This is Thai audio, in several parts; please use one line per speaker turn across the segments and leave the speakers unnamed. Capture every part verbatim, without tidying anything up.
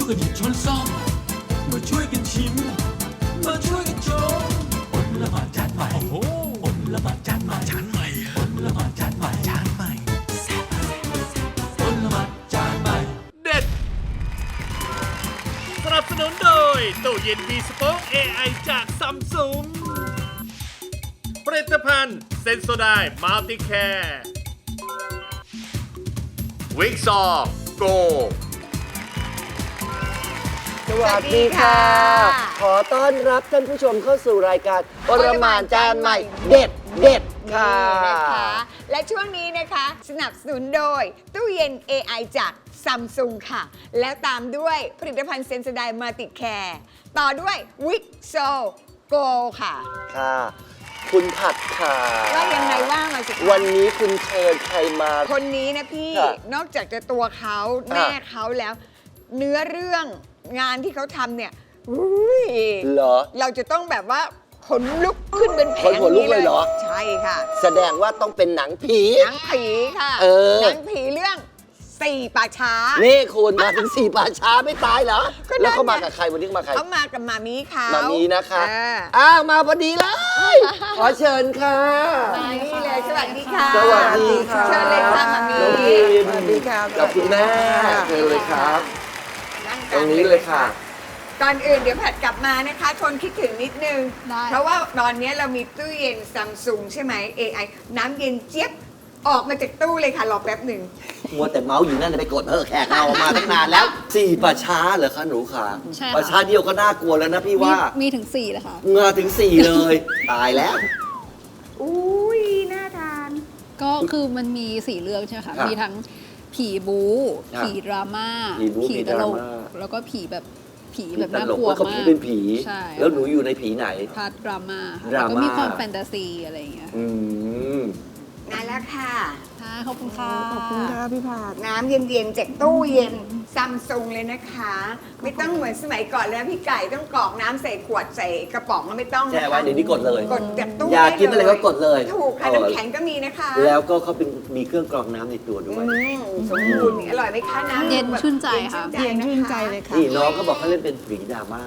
วยกันหยิบช้อนซ่อมมาช่วยกันชิมมาช่วยกันชมอดละหมาดจานใหม่โอ้โหอดละหมาดจานใหม่จานใหม่อดละหมาดจานใหม่จานใหม่อดละหมาดจานใหม่
เด็ดสนับสนุนโดยตู้เย็นมีสป็อค เอ ไอ จากซัมซุงผลิตภัณฑ์เซนโซไดมัลติแคร์วิกซอโก
สวัสดีค่ะ ขอต้อนรับท่านผู้ชมเข้าสู่รายการปรมาจารย์ใหม่เด็ดเด็ดค่ะ
นะคะและช่วงนี้นะคะสนับสนุนโดยตู้เย็น เอ ไอ จากซัมซุงค่ะ แล้วตามด้วยผลิตภัณฑ์เซนสไดมัลติแคร์ต่อด้วยวิกโซโกค่ะ
ค่ะ คุณผัดค่ะ
ว่ายังไงว่ามาสิคะ
วันนี้คุณเชิญใครมา
คนนี้นะพี่นอกจากจะตัวเขาแม่เขาแล้ว เนื้อเรื่องงานที่เขาทำเนี่ยอุ้ย
เหรอ
เราจะต้องแบบว่าขนลุกขึ้นเป็นแผง
นี้เลยเหรอ
ใช่ค่ะ
แสดงว่าต้องเป็นหนังผี
หนังผีค่ะหนังผีเรื่องสี่ป่าช้า
นี่คุณมาถึงสี่ป่าช้าไม่ตายเหรอแล้วเขามากับใครวันนี้มาใคร
เขามากับมามีเขา
มามีนะคะอ้าวมาพอดีเลยขอเชิญค่ะ
มานี่เลยสวัสดีค่ะ
สวัสดีค่ะ
เชิญเลยค่ะมามี
สวัสดีค่ะกับคุณแม่เชิญเลยครับตรงนี้เลยค่ะ
ก่อนอื่นเดี๋ยวผัดกลับมานะคะทนคิดถึงนิดนึงเพราะว่าตอนนี้เรามีตู้เย็นซัมซุงใช่ไหม เอ ไอ น้ำเย็นเจี๊ยบออกมาจากตู้เลยค่ะรอแป๊บหนึ่ง
มัวแต่เมาส์อยู่นั่นไปกดเออแขกเอามาตั้งนานแล้วสี่ป่าช้าเหรอคะหนูขาป่าช้าเดียวก็น่ากลัวแล้วนะพี่ว่า
มีถึงสี่เลยค่ะ
มาถึงสี่เลยตายแล้ว
อุ้ยน่าทาน
ก็คือมันมีสี่เรื่องใช่ไหมคะมีทั้งผีบู๊ผีดราม่าผีตลกแล้วก็ผีแบบผีแบบน่ากลัวมาก
เขาเป็นผีแล้วหนูอยู่ในผีไหน
พาร์ทดราม่าแล้วก็มีความแฟนตาซีอะไรอย่างเงี้ย
อืม
มาแล้วค่ะ
ค่ะขอบคุณค่ะ
ขอบคุณค่ะพี่ผาดน้ำเย็นๆจากตู้เย็นซัมซุงเลยนะคะไม่ต้องเหมือนสมัยก่อนแล้วพี่ไก่ต้องกรอกน้ำใส่ขวดใส่กระป๋องแล้วไม่ต้อง
แช่ไว้เดี๋ยวนี้กดเลย
กดจากตู้
อยากกินอะไรก็กดเลย
ถูกค่ะน้ำแข็งก็มีนะคะ
แล้วก็เขาเป็นมีเครื่องกรองน้ำในตัวด้วย
สมบูรณ์อร่อยไหมคะน้ำ
เย็นชื่นใจค่ะ
เย็นชื่นใจเลยค่ะ
นี่น้องก็บอกเขาเล่นเป็นผีดราม่า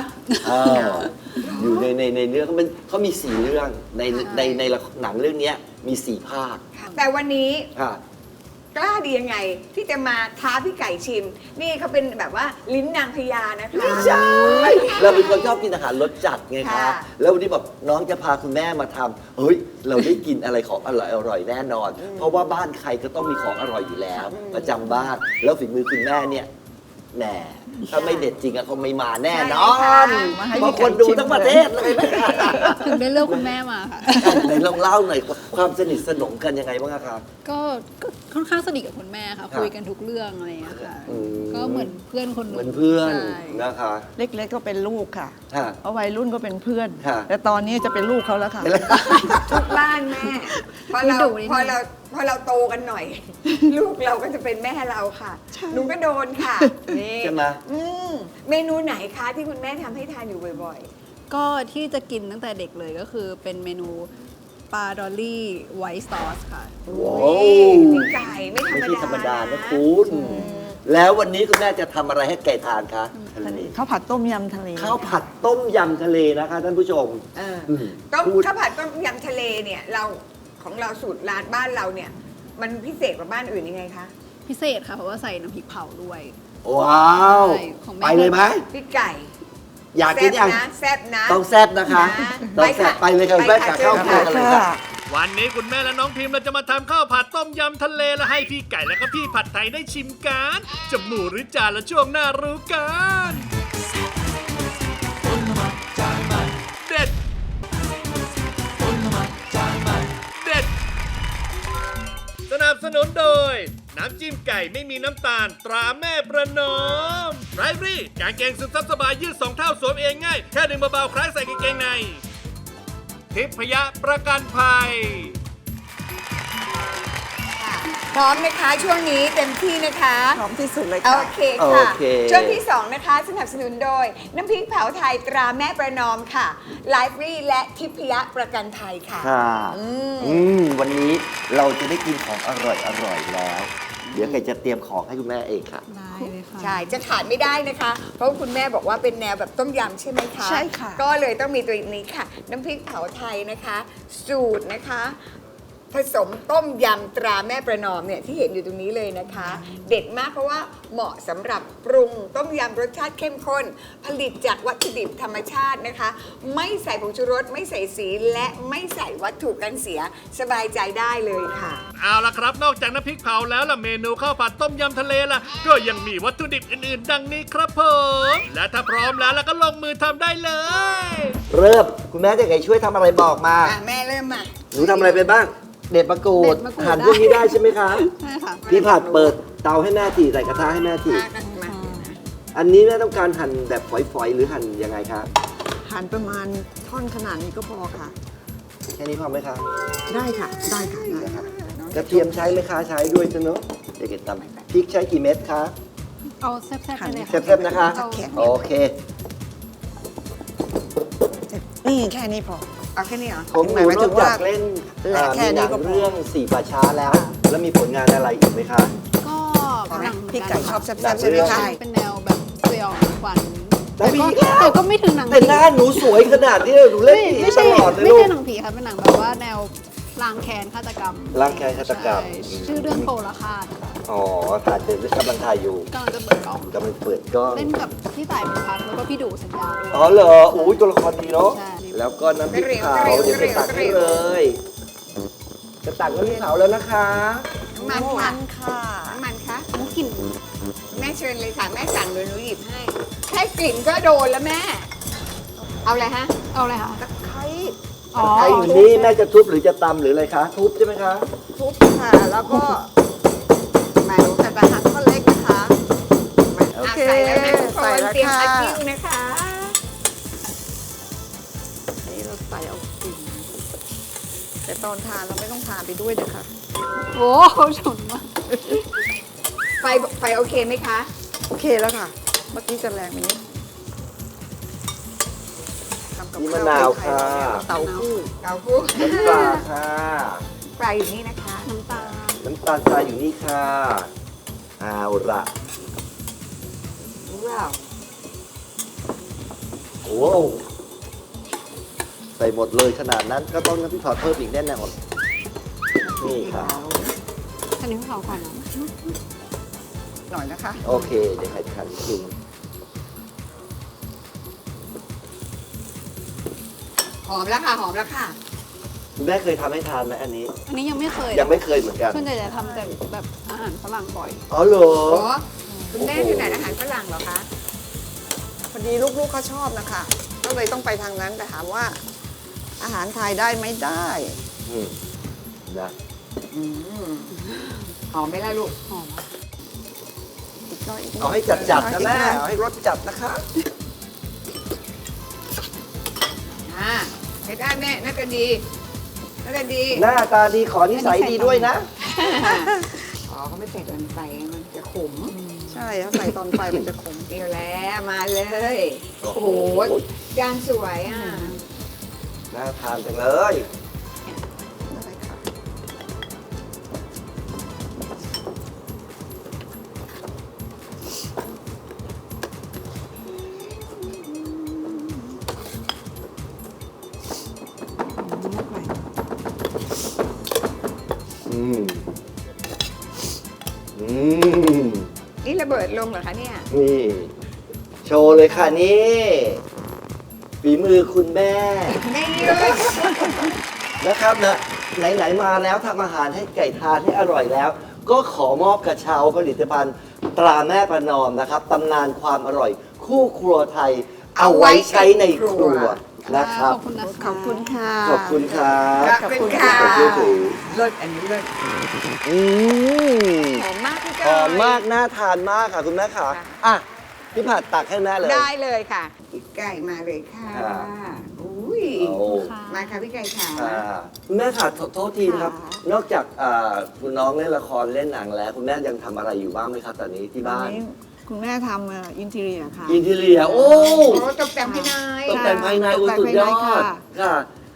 อยู่ในในในเรื่องเขาเป็นเขามีสี่เรื่องในในในหนังเรื่องนี้มีสี่ภาค
แต่วันนี้กล้าดียังไงที่จะมาท้าพี่ไก่ชิมนี่เขาเป็นแบบว่าลิ้นนางพญานะคะ
ไม่ใช่เราเป็นคนชอบกินอาหารรสจัดไงคะแล้ววันนี้บอกน้องจะพาคุณแม่มาทำเฮ้ยเราได้กินอะไรของอร่อยอร่อยแน่นอนเพราะว่าบ้านใครก็ต้องมีของอร่อยอยู่แล้วประจำบ้านแล้วฝีมือคุณแม่เนี่ยแน่ถ้าไม่เด็ดจริงอะเขาไม่มาแน่นอนบางคนดูทั้งประเทศเลย
ถึงได้เลือกคุณแม่มาค่ะ
ไหนลองเล่าหน่อยความสนิทสนมกันยังไงบ้างครับ
ก็ค่อนข้างสนิทกับคุณแม่ค่ะคุยกันทุกเรื่องอะไรอย่างเงี้ยค่ะก็เหมือนเพื่อนคนนึง
เหมือนเพื่อนนะคะ
เล็กๆก็เป็นลูกค่ะเอาวัยรุ่นก็เป็นเพื่อนแต่ตอนนี้จะเป็นลูกเขาแล้วค่ะ
ทุกบ้านแม่พอเราพอเราพอเราโตกันหน่อยลูกเราก็จะเป็นแม่เราค่ะหนูก็โดนค่ะนี่
ใช่ไหม
เมนูไหนคะที่คุณแม่ทำให้ทานอยู่บ่อย
ๆก็ที่จะกินตั้งแต่เด็กเลยก็คือเป็นเมนูปลาดอลลี่ไวท์ซอสค่ะ
ว้าว
พี่ไก่ไม่
ธรรมดานะคุณแล้ววันนี้คุณแม่จะทำอะไรให้ไก่ทานคะ
ข้าวผัดต้มยำทะเล
ข้าวผัดต้มยำทะเลนะคะท่านผู้ชม
ต้มข้าวผัดต้มยำทะเลเนี่ยเราของเราสูตรร้านบ้านเราเนี่ยมันพิเศษกว่าบ้านอื่นยังไงคะ
พิเศษค่ะเพราะว่าใส่น้ำพริกเผาด้วย
ว้าวไปเลยไหม
พี่ไก่
อยากกินยัง
แซ่บนะ
ต้องแซ่บนะคะต้องแซ่บไปเลยค่ะแม่ขาเข้าครัวกันเลยค่ะ
วันนี้คุณแม่และน้องพิมพ์เราจะมาทำข้าวผัดต้มยำทะเลและให้พี่ไก่และก็พี่ผัดไทยได้ชิมกันจะหมูหรือจานละช่วงหน้ารู้กันเด็ดเด็ดสนับสนุนโดยน้ำจิ้มไก่ไม่มีน้ำตาลตราแม่ประนอมไรฟรี่กางเกงซึมซับสบายยืดสองเท่าสวมเองง่ายแค่ดึงเบาๆคล้ายใส่กางเกงในทิพยประกันภัย
พร้อมนะคะช่วงนี้เต็มที่นะคะ
พร้อมที่สุดเลย
ค่ะโอเคค่ะช่วงที่สองนะคะสนับสนุนโดยน้ำพริกเผาไทยตราแม่ประนอมค่ะไลฟ์รีและทิพยประกันภัยค่ะ
ค่ะอืมวันนี้เราจะได้กินของอร่อยอร่อยแล้วเดี๋ยวไก่จะเตรียมของให้คุณแม่เองค่ะ
ได้เลยค่ะ
ใช่ จะขาดไม่ได้นะคะ เพราะคุณแม่บอกว่าเป็นแนวแบบต้มยำใช่ไหมคะ
ใช่ค่ะ
ก็เลยต้องมีตัวนี้ค่ะ น้ำพริกเผาไทยนะคะ สูตรนะคะ ผสมต้มยำตราแม่ประนอมเนี่ยที่เห็นอยู่ตรงนี้เลยนะคะ เด็ดมากเพราะว่าเหมาะสำหรับปรุงต้มยำรสชาติเข้มข้น ผลิตจากวัตถุดิบธรรมชาตินะคะ ไม่ใส่ผงชูรสไม่ใส่สีและไม่ใส่วัตถุกันเสียสบายใจได้เลยค่ะ
เอาล่ะครับ นอกจากน้ำพริกเผาแล้วล่ะเมนูข้าวผัดต้มยำทะเลล่ะ ก็ยังมีวัตถุดิบอื่นๆ ดังนี้ครับผม และถ้าพร้อมแล้วเราก็ลงมือทำได้เลย
เริ่มคุณแม่จะไงช่วยทำอะไรบอกมา
อ่ะแม่เริ่มมา
หนูทำอะไรไปบ้าง เด็ดมะกรูด
เด็ดมะกรูด
หั่นพวกนี้ได้ใช่ไหมคะ
ใช่ค่ะ
พี่ผัดเปิดเตาให้แม่ทีใส่กระทะให้แม่ที
มากันมา
อันนี้แม่ต้องการหั่นแบบฝอยๆ หรือหั่นยังไงคะ
หั่นประมาณท่อนขนาดนี้ก็พอค่ะ
แค่นี้พอไหมคะ
ได้ค่ะ ได้ค่ะได้
นะคะ
ค่ะ
กระเทียมใช้ไหมคะใช้ด้วยจ้ะเนอะเด็กๆตำพริกใช้กี่เม็ดคะ
เอาแซ่บๆไปเลยค่ะ
แซ่บๆนะคะ
เอา
โอเค
นี่แค่นี้พอ
เอาแค่นี้เหรอ
ผมห
ห
นู
มาย
น
ถึ
อก
งว่า
จากเล่น
แหละ
อ่า
แค่
มีห
นี้
นัง
ก็พอ
เรื่องสี่ป่าช้าแล้ว แล้วมีผลงานอะไรอีกไหมคะ
ก็หนัง
พี่ไก่ชอบแซ่
หนั
บ
ง
ๆใช่ไหม
เรื่อง
คะ
เป็นแนวแบบสยองขวัญ
แต่
แต่
ผี
ก็แต่ก็ไม่ถึงหนัง
แต่หน้าหนูสวยขนาดที่หนูเล่น
ไม่
ผี
ไม่
ต
ใช่
ลอดเลย
ไม่
ลูก
ใช่หนังผีค่ะเป็นหนังแบบว่าแนวล้างแค้นฆาตกรรม
ล้างแค้นฆาตกรรม
ใช่ชื่อเรื่องโปรละคาด
อ๋อถ่ายเดินกำลังถ่ายอยู่
กำลังจะเปิดกล้อง
กำลังเปิดกล้อง
เล่นกับพี่ต่ายเป็นพักแล้วก็พี่ดูสัญญาด้วย
อ๋อเหรออุ้ยตัวละครดีเนาะ
ใช่
แล้วก็น้ำพริกเผาเดี๋ยวจะตักให้เลย จะตักน้ำพริกเผาแล้วนะคะ
น้ำมันค่ะ
ค่ะ
น้ำมันคะ
มุกกลิ่น
แม่เชิญเลยค่ะ แม่สั่งเลยหนูหยิบให้ แค่กลิ่นก็โดนแล้วแม่ เอาอะไรฮะ
เอาอะไรคะ
ตะไคร้
อ๋อ
ใครอยู่นี่แม่จะทุบหรือจะตำหรืออะไรคะ ทุบใช่ไหมคะ
ทุบค่ะ แล้วก็หมายถึงแต่ละหั่นท่อนเล็กนะคะ โอเค
อ่ะใส่แล้วนะทุกค
ใส่
น
แล้ว
เตรียม
ค่ะ
อาคิวนะคะ
นี่เราใส่เอากลิ่นแต่ตอนทานเราไม่ต้องทานไปด้วยนะคะ
โอ้โหฉุนมาก
ไฟไฟโอเคไหมคะ
โอเคแล้วค่ะ เมื่อกี้จะแรงไปนิดทำกับ
นี่
ข้าว
มะนาว
ไทยๆ
ค่ะ
เราเนี่ยเต่าหู้
เกาคู่
น้ำปลาค่ะ
ไฟอยู่นี่นะคะ
น้ำตาล
น้ำตาลทรายอยู่นี่ค่ะเอาละ
ว้าว
โอ้ใส่หมดเลยขนาดนั้นก็ต้องน้ำพริกเผาเพิ่มอีกแน่นอนนี่ค่ะ
อันนี้เผาก่อนนะ
หน่อยนะคะ
โอเค เดี๋ยวใครทานกิน
หอมแล้วค่ะ หอมแล้วค่ะ
คุณแม่เคยทำให้ทานไหมอันนี้
อันนี้ยังไม่เคย
ยังไม่เคยเหมือนกัน
ส่วนใหญ่จะทำแต่แบบอาหารฝรั่งบ่อย
อ๋อเหรอ
โอ้คุณแม่ถนัดอาหารฝรั่งเหรอคะ
พอดีลูกๆเขาชอบนะคะ ก็เลยต้องไปทางนั้นแต่ถามว่า อาหารไทยได้ไหมได้
อืมนะ
อืมหอมไหมล่ะลูก
หอม
อีกหน่อยกหน่ย
เอาให้จัดจัดๆนะแม่
อีกหอย
เอาให้รสจัดนะคะ
อ่าใช้ได้แม่น่าจะดี น่าจะดี
หน้าตาดีขอนิสัยดีด้วยนะ
อ๋อเขาไม่ใส่ตอนไฟมันจะขม
ใช่ถ้าใส่ตอนไฟมันจะขม
เดียวแล้วมาเลย โอ้โหจานสวยอ่ะ
น่าทานจังเลย
ได้ค่ะ
อืม อืม
นี่ระเบิดลงเหรอคะเนี่ย
นี่ โชว์เลยค่ะนี่ ฝีมือคุณแม่
ไม่ยืด
นะครับนะไหนๆมาแล้วทำอาหารให้ไก่ทานให้อร่อยแล้ว ก็ขอมอบกระเช้าผลิตภัณฑ์ตราแม่ประนอมนะครับตำนานความอร่อย คู่ครัวไทย เอาไว้ใช้ในครัวนะครับ
ขอบคุณนะคะ
ขอบคุณค่ะ
ขอบคุณครับ
ขอบคุณค่ะ
ขอบคุณค่ะ
เลิศอันนี้เลิศ
อืม
หอมมากพี่
ห
ก้
อมมากน่าทานมากค่ะคุณแม่ค่ะอ่ะพี่ผัดตักให้แม่เลย
ได้เลยค่ะพี่ไก่มาเลยค่ะ
ครับ
อุ้ย
โอ้
ค่ะ
มาค่ะพี่ไก่ค่ะ
อ่าคุณแม่ค่ะโทษทีนะครับ
ค่ะ
นอกจากอ่าคุณน้องเล่นละครเล่นหนังแล้ว คุณแม่ยังทำอะไรอยู่บ้างไหมครับตอนนี้ที่
ตอน
บ้าน
นี้คุณแม่ทำอินทีเรียค่ะ
อินทีเรียโอ้
โอ้ตกแต่งภายใน
ตกแต่งภายใน
ต
โอ้
กแต่ง
สุดยอ
ภายในค่ะ
ดค่ะ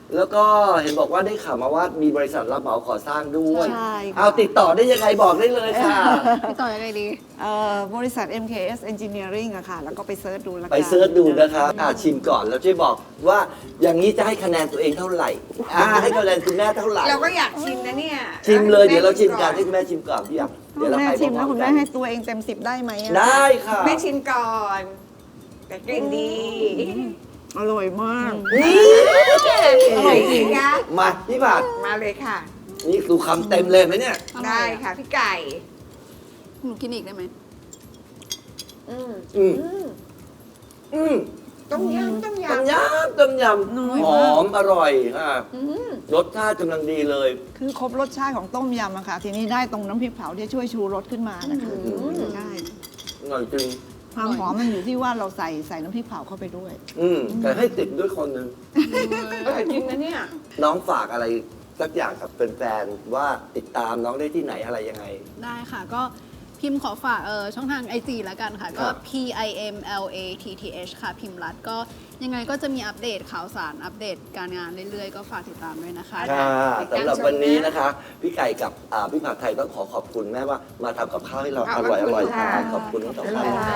แล้วก็เห็นบอกว่าได้ข่าวมาว่ามีบริษัทรับเหมาก่อสร้างด้วย
ใช่ค่ะ
เอาติดต่อได้ยังไงบอกได้เลยค่ะ
พี่ต่อยังไงดี
เอ่อบริษัท เอ็ม เค เอส Engineering อะค่ะ แล้วก็ไปเซิร์ชดูแล้วกัน
ไปเซิร์ชดูนะคะอ่าชิมก่อนแล้วช่วยบอกว่าอย่างนี้จะให้คะแนนตัวเองเท่าไหร่อ่าให้คะแนนคุณแม่เท่าไหร่
เราก็อยากชิมนะเนี่ย
ชิมเลยเดี๋ยวเราชิม
ก่
กั
อน
ให้คุณแม่ชิมก่อนพี่อยากเดี๋ยวเรา
แม่
ไป
ชิม
พ
แล้ว
ร้อ
คุ
ม
ณ
ๆกั
แม่
น
ให้ตัวเองเต็มสิบได้ไหมอะ
ได้ค่ะ
แม่ชิมก่อน แต่กลิ่นดี
อร่อยมาก
อร่อยจริงนะ
มาพี่ผัด
มาเลยค่ะ
นี่ดูคำเต็มเลยไหมเนี่ย
ได้ค่ะพี่ไก่
หนูกินอีกได้ไหม
อืม
อืมอืม
ต้มยำต้ม
ต้ม
ยำ
ยำต้มย
น้อย
ำห
มาก
อมอร่อยค่ะ
อืม
รสชาติกำลังดีเลย
คือครบรสชาติของต้มยำอะค่ะ ทีนี้ได้ตรงน้ำพริกเผาที่ช่วยชูรสขึ้นมานะคะใช่
อร่อยจริง
ความหอมมันอยู่ที่ว่าเราใส่ใส่น้ำพริกเผาเข้าไปด้วย
อืมแต่ให้ติดด้วยคนหนึ่ง
อร่อยจริงนะเนี่ย
น้องฝากอะไรสักอย่างกับแฟนๆว่าติดตามน้องได้ที่ไหนอะไรยังไง
ได้ค่ะก็พิมพ์ขอฝากเออช่องทาง ไอ จี แล้วกันค่ะ ก็
ครับ
P I M L A T T H ค่ะ พิมพ์รัดก็ยังไงก็จะมีอัปเดตข่าวสารอัปเดตการงานเรื่อยๆ ก็ฝากติดตามด้วยนะคะ
ค่ะสำหรับวันนี้นะคะ พี่ไก่กับอ่าพี่ผัดไทยต้องขอขอบคุณแม่ว่ามาทำกับข้าวให้เรา
ข
อ
อบ
ร่อยอ
คุณ
ร่อย
ค่ะ
ค่ะขอบคุณทั้งสองท่านค่ะ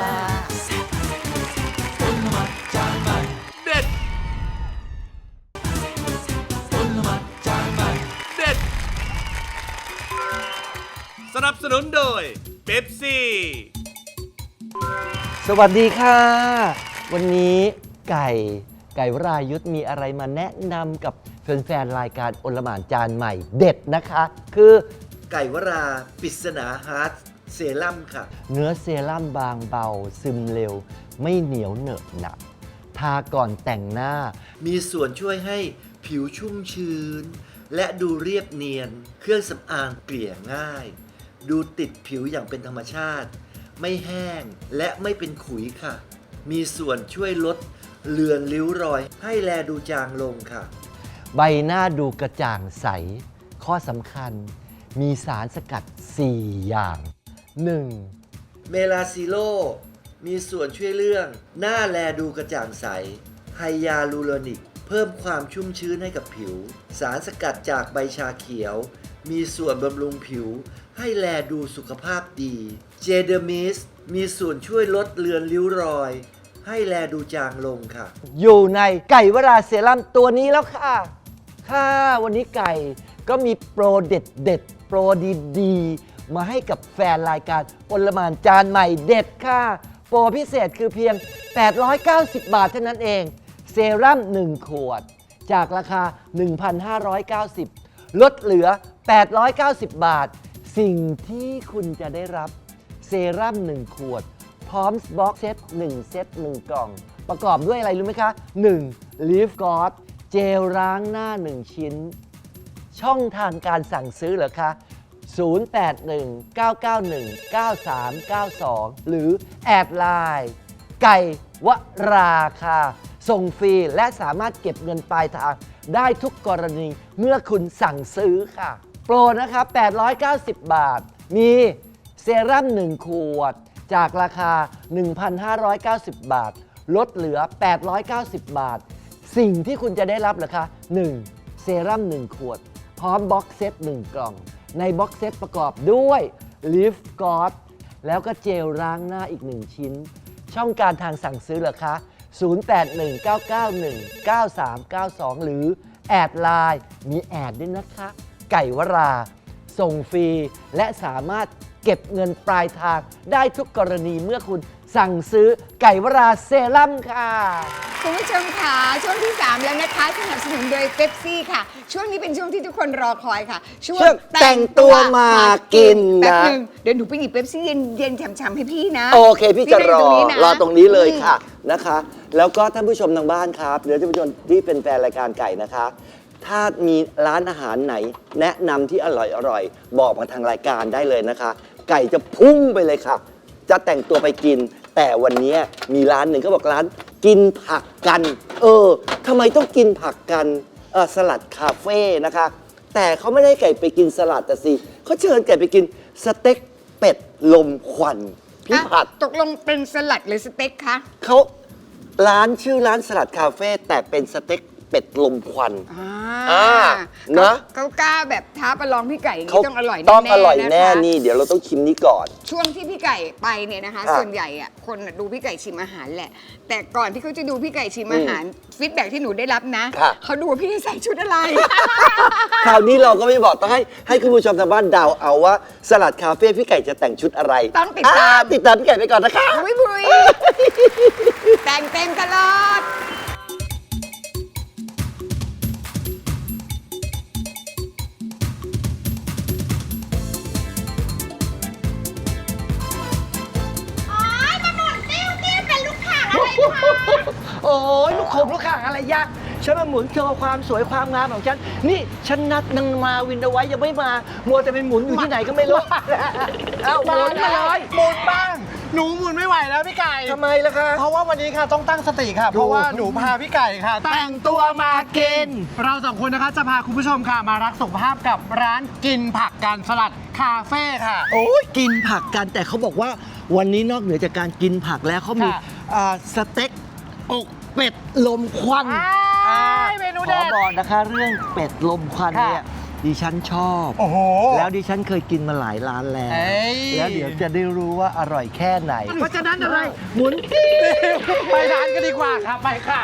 เด็ดเด็ด สนับสนุนโดยเป๊ปซี่
สวัสดีค่ะ วันนี้ไก่ไก่วรายุทธมีอะไรมาแนะนำกับแฟนๆรายการโอลหม่านจานใหม่เด็ดนะคะ คือไก่วราปริศนาฮาร์ดเซรั่มค่ะ เนื้อเซรั่มบางเบา ซึมเร็ว ไม่เหนียวเหนอะหนักทาก่อนแต่งหน้า มีส่วนช่วยให้ผิวชุ่มชื้น และดูเรียบเนียน เครื่องสำอางเกลี่ยง่าย ดูติดผิวอย่างเป็นธรรมชาติ ไม่แห้งและไม่เป็นขุยค่ะ มีส่วนช่วยลดเลือนริ้วรอยให้แลดูจางลงค่ะ ใบหน้าดูกระจ่างใส ข้อสำคัญ มีสารสกัด สี่ อย่าง หนึ่ง เมลาซิโล มีส่วนช่วยเรื่องหน้าแลดูกระจ่างใส ไฮยาลูโรนิก เพิ่มความชุ่มชื้นให้กับผิว สารสกัดจากใบชาเขียว มีส่วนบำรุงผิว ให้แลดูสุขภาพดี เจเดอร์มิส มีส่วนช่วยลดเลือนริ้วรอย ให้แลดูจางลงค่ะ อยู่ในไก่วราเซรั่มตัวนี้แล้วค่ะ ค่ะวันนี้ไก่ก็มีโปรเด็ดเด็ดๆโปรดีๆ มาให้กับแฟนรายการโอลหม่านจานใหม่เด็ดค่ะ โปรพิเศษคือเพียง แปดร้อยเก้าสิบ บาทเท่านั้นเอง เซรั่มหนึ่งขวด จากราคา หนึ่งพันห้าร้อยเก้าสิบ ลดเหลือ แปดร้อยเก้าสิบ บาท สิ่งที่คุณจะได้รับเซรั่มหนึ่งขวด พร้อมบ็อกเซตหนึ่งเซตหนึ่งกล่อง ประกอบด้วยอะไรรู้ไหมคะ หนึ่ง Leaf God เจลล้างหน้า หนึ่ง ชิ้น ช่องทางการสั่งซื้อเหรอคะ ศูนย์ แปด หนึ่ง เก้า เก้า หนึ่ง เก้า สาม เก้า สอง หรือแอดไลน์ไก่วราคาส่งฟรีและสามารถเก็บเงินปลายทางได้ทุกกรณีเมื่อคุณสั่งซื้อค่ะ โปรนะคะแปดร้อยเก้าสิบ บาท มีเซรั่มหนึ่งขวด จากราคา หนึ่งพันห้าร้อยเก้าสิบ บาท ลดเหลือ แปดร้อยเก้าสิบ บาท สิ่งที่คุณจะได้รับเหรอคะ หนึ่ง เซรั่มหนึ่งขวด พร้อมบ็อกเซตหนึ่งกล่อง ในบ็อกเซตประกอบด้วย Leaf God แล้วก็เจลล้างหน้าอีกหนึ่งชิ้น ช่องการทางสั่งซื้อเหรอคะ ศูนย์ แปด หนึ่ง เก้า เก้า หนึ่ง เก้า สาม เก้า สอง หรือแอดไลน์มีแอดด้วยนะคะ ไก่วรา ส่งฟรี และสามารถเก็บเงินปลายทางได้ทุกกรณีเมื่อคุณสั่งซื้อไก่วราเซรั่มค่ะ
คุณผู้ชมค่ะช่วงที่ สาม แล้วนะคะสนับสนุนโดยเป๊ปซี่ค่ะ ช่วงนี้เป็นช่วงที่ทุกคนรอคอยค่ะ ช่วง
ช่วงแต่งตัวมากินนะ
แป๊บนึงเดี๋ยวหนูไปหยิบเป๊ปซี่เย็นๆฉ่ำๆให้พี่นะ
โอเค พี่จะรอ
นั่งตงนี้น
รอตรงนี้เลยค่ะนะคะ แล้วก็ท่านผู้ชมทางบ้านครับหรือท่านผู้ชมที่เป็นแฟนรายการไก่นะคะ ถ้ามีร้านอาหารไหน แนะนำที่อร่อยอร่อยบอกมาทางรายการได้เลยนะคะ ไก่จะพุ่งไปเลยค่ะ จะแต่งตัวไปกิน แต่วันนี้มีร้านหนึ่งก็บอกร้านกินผักกัน เออทำไมต้องกินผักกันเออสลัดคาเฟ่นะคะ แต่เขาไม่ได้ไก่ไปกินสลัดแต่สิเขาเชิญไก่ไปกินสเต็กเป็ดลมควันพี่ผัด
อ่ะตกลงเป็นสลัดหรือสเต็กคะ
เขาร้านชื่อร้านสลัดคาเฟ่แต่เป็นสเต็ก
เป็ดลมควัน
อ่า
อ่านะ
เขากล้าแบบท้าประลองพี่ไก่อย่าง
เขา
นี้ต้องอร่อย
ต้อง
แน่ๆ
อร่อยแน่
นะคะ
นี่ เดี๋ยวเราต้องชิมนี้ก่อน
ช่วงที่พี่ไก่ไปเนี่ยนะคะ
อ่ะ
ส่วนใหญ่อะคนน่ะดูพี่ไก่ชิมอาหารแหละ แต่ก่อนที่เขาจะดูพี่ไก่ชิมอาหารฟีดแบ็กที่หนูได้รับนะ
ค่ะ
เขาดูว่าพี่ใส่ชุดอะไร
คราวนี้เราก็ไม่บอกต้องให้ให้คุณผู้ชมทางบ้านเดาเอาว่าสลัดคาเฟ่พี่ไก่จะแต่งชุดอะไร
ต้องติดตาม
อ่ติดตามพี่ไก่ไปก่อนนะคะ
บุยบุยแต่งเต็มตลอด
โอ้ยลูกโขบลูกข่างอะไรยากฉันมาหมุนโชว์ความสวยความงามของฉัน นี่ฉันนัดนางมาวินเอาไว้ยังไม่มา มัวแต่เป็นหมุนอยู่ที่ไหนก็ไม่รู้ เอ้าหมุนมาเลย
หมุนบ้าง หนูหมุนไม่ไหวแล้วพี่ไก่
ทำไมล่ะคะ
เพราะว่าวันนี้ค่ะต้องตั้งสติค่ะ เพราะว่าหนูพาพี่ไก่ค่ะ
แต่งตัวมากิน
เราสองคนนะคะจะพาคุณผู้ชมค่ะมารักสุขภาพกับร้านกินผักกันสลัดคาเฟ่ค่ะ
โอ้ยกินผักกันแต่เขาบอกว่าวันนี้นอกเหนือจากการกินผักแล้วเขามี
ค่ะ
อ่าสเต็กอกเป็ดลมควัน
อ้ายเมนูเด็ด
ขอบอกนะคะเรื่องเป็ดลมควันเนี่ย
ค่ะ
ดิฉันชอบ
โอ้โห
แล้วดิฉันเคยกินมาหลายร้านแล้ว
เอ้ย
แล้วเดี๋ยวจะได้รู้ว่าอร่อยแค่ไหน เพราะฉะนั้นอะไร หมุน
ไปร้านกันดีกว่าค่ะไปค่ะ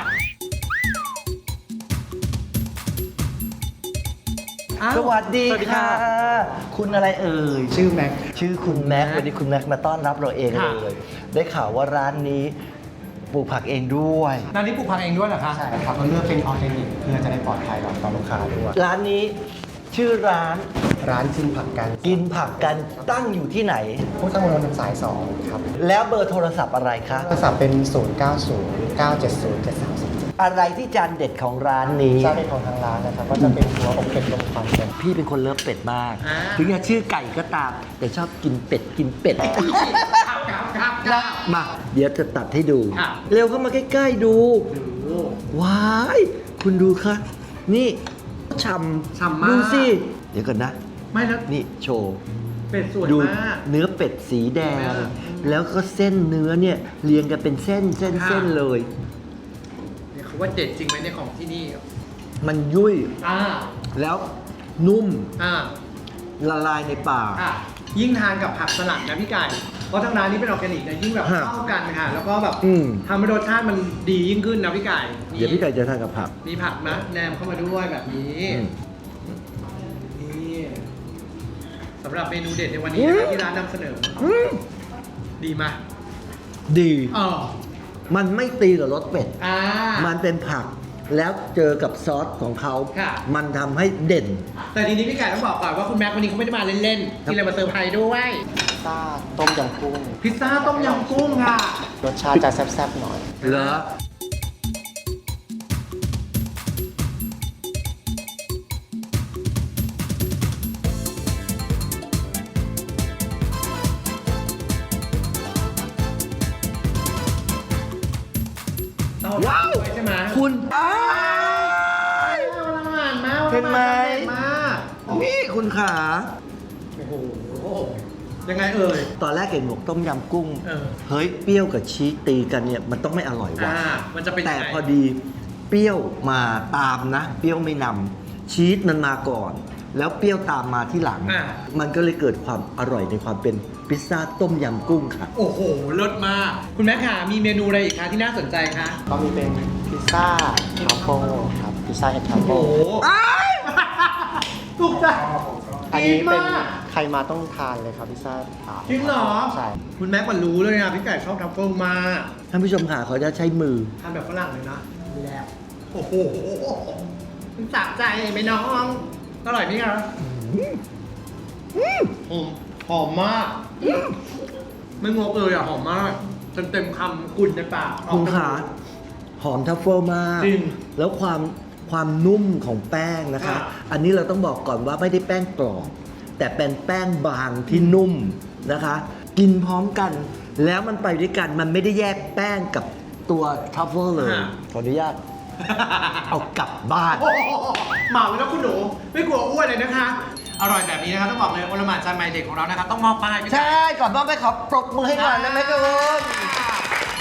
สวัสดี
สวัสดี
ค่ะ
ค่ะ
คุณอะไรเอ่ย
ชื่อแม็ก
ชื่อคุณแม็กซ์วันนี้คุณแม็กซ์มาต้อนรับเราเอง
ค่ะ
เลย ได้ข่าวว่าร้านนี้ปลูกผักเองด้วย
ร้านนี้ปลูกผักเองด้วยเหรอคะ
ใช่ครับเราเลือกเป็นออร์แกนิกเพื่อจะได้ปลอดภัยต่อลูกค้าด้วย
ร้านนี้ชื่อร้าน
ร้านกินผักกัน
กินผักกันตั้งอยู่ที่ไหน
ผู้ตั้งบนถนนสายสองครับ
แล้วเบอร์โทรศัพท์อะไรคะ
โทรศัพท์เป็น ศูนย์ เก้า ศูนย์ เก้า เจ็ด ศูนย์ เจ็ด สาม สี่
อะไรที่จานเด็ดของร้านนี้
เจ้าเป็นของทางร้านนะครับ ก็จะเป็นตัวอกเป็ดลมควันเป็น
พี่เป็นคนเลิฟเป็ดมาก
อ่า
ถึงจะชื่อไก่ก็ตาม แต่ชอบกินเป็ดกินเป็ด
ครับครับครับครับ
มา เดี๋ยวจะตัดให้ดู
ครับ
เร็วเข้ามาใกล้ๆดู ว้าย คุณดูค่ะ นี่ฉ่ำ
ฉ่ำมาก
ดูสิ เดี๋ยวก่อนนะ
ไม่แล้ว
นี่โชว์
เป็ดสวย
ดู
มาก
เนื้อเป็ดสีแดง
เห็นไหมล่ะ
แล้วก็เส้นเนื้อเนี่ยเรียงกันเป็นเส้นเส้น
ค่ะ
เส้นเลย
เนี่ยเขาว่าเด็ดจริงไหมในยของที่นี่
มันยุ่ย
อ่า
แล้วนุ่ม
อ่า
ละลายในปาก
ค่ะยิ่งทานกับผักสลัดนะพี่ไก่ เพราะทางร้านนี้เป็นออร์แกนิกนะยิ่งแบบ
ฮะ
เข้ากันค่ะ แล้วก็แบบ
อืม
ทำให้รสชาติมันดียิ่งขึ้นนะพี่ไก่นี่
เดี๋ยวพี่ไก่จะทานกับผัก
มีผักนะแนมเข้ามาด้วยแบบนี้
อืม
นี่สำหรับเมนูเด็ดในวันนี้นะครับที่ร้านนำเสนออดีมาก
ดี
อ๋อ
มันไม่ตีกับรสเป็ด
อ่า
มันเป็นผัก แล้วเจอกับซอสของเขา
ค่ะ
มันทำให้เด่น
แต่ทีนี้พี่ไก่ต้องบอกก่อนว่าคุณแม็กวันนี้เขาไม่ได้มาเล่นๆที่เลยมาเซอร์ไพรส์ด้วย
ซ่าต้มยำกุ้ง
พิซซ่าต้มยำกุ้งค่ะ
รสชาติจะแซ่บๆหน่อย
เหรอ
ว้าวใช่ไหม
คุณอ้า
เอาละหมานมาก
เห็นไหม
มาก
นี่คุณขา
โอ้โหยังไงเอ่ย
ตอนแรกเห็นบอกต้มยำกุ้ง
เออ
เฮ้ย เปรี้ยวกับชีสตีกันเนี่ย มันต้องไม่อร่อยว่ะ
อ่ามันจะเป็น
แต่
ยังไง
พอดีเปรี้ยวมาตามนะ เปรี้ยวไม่นำชีสมันมาก่อน แล้วเปรี้ยวตามมาที่หลัง
อ่า
มันก็เลยเกิดความอร่อยในความเป็นพิซซ่าต้มยำกุ้งค่ะ
โอ้โหเลิศมาก คุณแม่ค่ะมีเมนูอะไรอีกคะที่น่าสนใจคะ
ก็มีเป็นพิซซ่าทรัฟเฟิลครับ พิซซ่าเห็ดทรัฟ
โอ้
เฟิ
โห
ล
ถูกใจ
อันนี้เป็น
ดีมาก
ใครมาต้องทานเลยครับพิซซ่าถาด
จริงเหรอ
ใช่
คุณแม็กมันรู้เลยนะพี่ไก่ชอบทัฟเฟิลมาก
ท่านผู้ชมค่ะเขาจะใช้มือ
ทานแบบฝรั่งเลยนะแล้วโอ้โหมันสะใจไหมน้องอร่อยไหมคะหอมหอมมากไม่งกเลยอ่ะหอมมากเต็มเต็มๆคำกุ่นในปาก
คุณขาหอมทัฟเฟิลมาก
จริง
แล้วความความนุ่มของแป้งนะคะ
ค่ะ
อันนี้เราต้องบอกก่อนว่าไม่ได้แป้งกรอบแต่เป็นแป้งบางที่นุ่มนะคะ กินพร้อมกัน แล้วมันไปด้วยกันมันไม่ได้แยกแป้งกับตัวทัฟเฟิลเลย ขออนุญาต เอากลับบ้าน
โอ้โหเหมาไปแล้วคุณหนูไม่กลัวอ้วนเลยนะคะ อร่อยแบบนี้นะคะต้องบอกเลยโอลหม่านจานใหม่เด็กของเรานะคะต้องมอบป้ายพี่ไก่
ใช่ ก่อนบ้านไปขอปรบมือให้ก่อนนะแม่กุน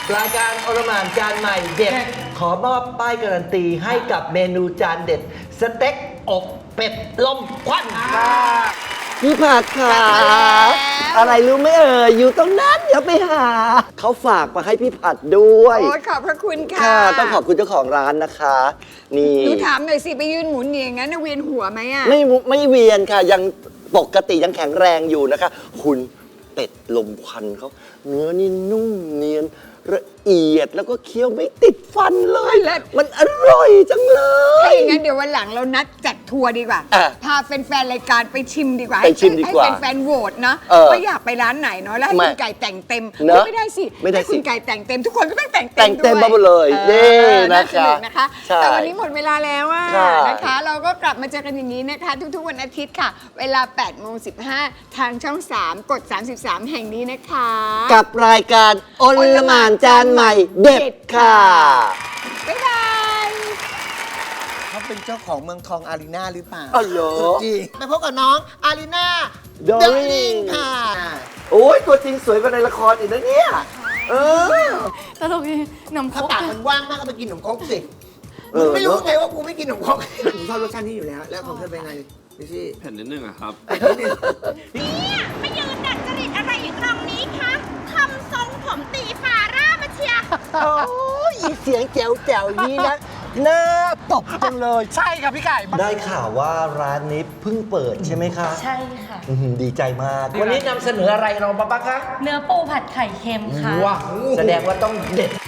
รายการอลหม่านจานใหม่เด็ด ขอมอบป้ายการันตีให้กับเมนูจานเด็ด สเต็กอกเป็ดลมควันค่ะพี่ผัดค่ะ อะไรรู้ไหมเอ่ยอยู่ตรงนั้นเดี๋ยวไปหา เขาฝากมาให้พี่ผัดด้วย
โอ้ยขอบพระคุณค่ะ
ค่ะ ต้องขอบคุณเจ้าของร้านนะคะ นี่
หนูถามหน่อยสิ ไปยืนหมุนอย่างนั้นน่ะเวียนหัวไหมอ่ะ
ไม่มุไม่เวียนค่ะ ยังปกติยังแข็งแรงอยู่นะคะ คุณเป็ดลมควันเขาเนื้อนี่นุ่มเนียนละเอียดแล้วก็เคี้ยวไม่ติดฟันเลย
เลิศ
มันอร่อยจังเล
ถ้าย อย่างนั้นเดี๋ยววันหลังเรานัดจัดทัวร์ดีกว่า
อ่ะ
พาแฟนๆรายการไปชิมดีกว่า
ไปชิมดีกว่า
ให้แฟนๆโหวตเนาะ
เออ
ว่าอยากไปร้านไหนเนาะแล้วให้
ไม่
คุณไก่แต่งเต็ม
เนอะ
ไม่ได้สิ
ไม่ได้
ให้คุ
สิ
ณไก่แต่งเต็มทุกคนก็ต้องแต่งเต็ม
แต่งเต็ม
ด้วย
มาหมดเลย
ออ
นี่นะคะ
าสนุกนะคะ
ใช่
แต่วันนี้หมดเวลาแล้วอะ
ค่ะ
นะคะ เราก็กลับมาเจอกันอย่างนี้นะคะ ทุกๆวันอาทิตย์ค่ะ เวลาแปดโมงสิบห้าทางช่องสามกดสามสิบสามแห่งนี้นะคะ
กับรายการอลหม่านจานใหม่เด็ดค่ะ
บ๊ายบาย
เขาเป็นเจ้าของเมืองทองอารีนาหรือเปล่า
อ๋อเหรอ
จริงไปพบกับน้องอารีนา
Darling
ค่ะ
โอ้ยตัวจริงสวยกว่าในละครอีกนะเนี่ย เออ
ตลกดีหนมคร
ถ้าก ปากมันว่างมากก็ไปกินขนมครกสิ
เอ
มึง
อ
ไม่รู้ไงว่ากูไม่กินขนมครกผมชอบรสชาตินี้อยู่แล้ว แล้วของเธอเป็นไงพี่ชี่
แผ่นนิดนึงอะครับ
เนี่ยมายืนดัดจริตอะไรอยู่ตรงนี้คะทำทรงผมตีฟาร่ามาเชียร์
โอ้ยอีเสียงแจ๋วแจ๋วๆนี้นะน่าตบจังเลย
ใช่ครับพี่ไก่
ได้ข่าวว่าร้านนี้เพิ่งเปิดใช่ไหมคะ
ใช่ค่ะ
อื้อหือดีใจมาก วันนี้นำเสนออะไรเราบ้างคะ
เนื้อปูผัดไข่เค็มค่ะ
ว้าวแสดงว่าต้องเด็ด